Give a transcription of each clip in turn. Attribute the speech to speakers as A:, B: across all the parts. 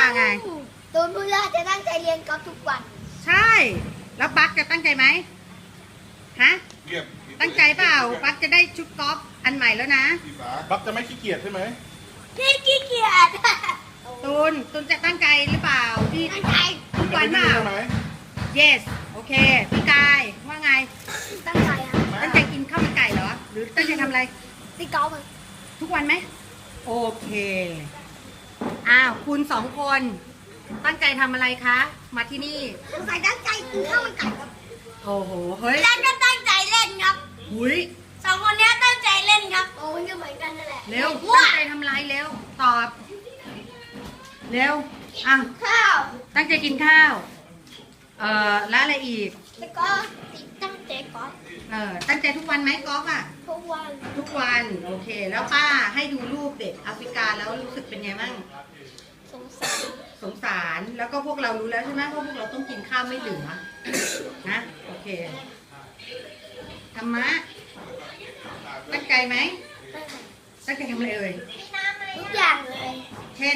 A: ไง
B: ตูนพูดว่าจะตั้งใจเรียนกอล์ฟทุกวัน
A: ใช่ แล้วปักจะตั้งใจไหมฮะ
C: เงียบ
A: ตั้งใจเปล่าปักจะได้ชุดกอล์ฟอันใหม่แล้วนะ
C: บักจะไม่ขี้เกียจใช่ไหม
B: พี่ขี้เกียจ
A: ตูนจะตั้งใจหรือเปล่าที่
B: ตั้งใจ
A: ทุกวันเปล่า
C: ใช่ไหม
A: yes โอเคพี่กายว่าไง
B: ตั้งใจครับ
A: ตั้งใจกินข้าวมันไก่เหรอ หรือตั้งใจทำอะไร
B: ตีกอล์ฟอะ
A: ทุกวันไหมโอเคอ้าวคุณสองคนตั้งใจทำอะไรคะ มาที่นี่
B: สงสัยตั้งใจกินข้าวมันไก่ครับ
A: โอ้โหเฮ้ย
B: แล้วก็ตั้งใจเล่นครับ
A: หุย
B: สองคนนี้ตั้งใจเล่นครับโอ้ยก็เหมือนกันนั่นแหละ
A: เร็ว
B: ว้า
A: ตั้งใจทำอะไรเร็วตอบ เร็วอ้าว
B: ข้าว
A: ตั้งใจกินข้าว แล้วอะไรอีก
B: แล้วก็ตั้งใจกอล์ฟ
A: ตั้งใจทุกวันไหมกอล์ฟอ่ะ
B: ทุกวัน
A: ทุกวัน โอเค แล้วป้าให้ดูรูปเด็กแอฟริกาแล้วรู้สึกเป็นไงบ้าง
B: สงสาร
A: สงสาร แล้วก็พวกเรารู้แล้วใช่ไหมว่าพวกเราต้องกินข้าวไม่เหลือ นะ โอเค ธรรมะ ตั้งใจไหม ตั้งใจทำอะไรเอ่ย
B: ทุกอย่างเลย
A: เช่น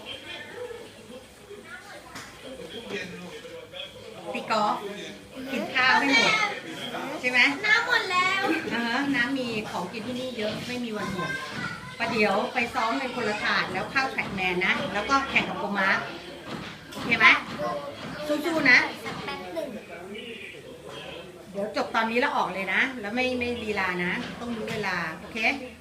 A: ตีกอล์ฟกินข้าวไม่หมด ใช่ไหม
B: น้ำหมดแล้ว
A: น้ำมีของกินที่นี่เยอะไม่มีวันหมดประเดี๋ยวไปซ้อมเป็นคนละถาดแล้วเข้าแท็กแมนนะ แล้วก็แข่งกับโกมาร์คโอเคไหมสู้ๆนะ
B: สักแป๊บหนึ่ง
A: เดี๋ยวจบตอนนี้แล้วออกเลยนะ แล้วไม่ลีลานะ ต้องรู้เวลา โอเค
B: โ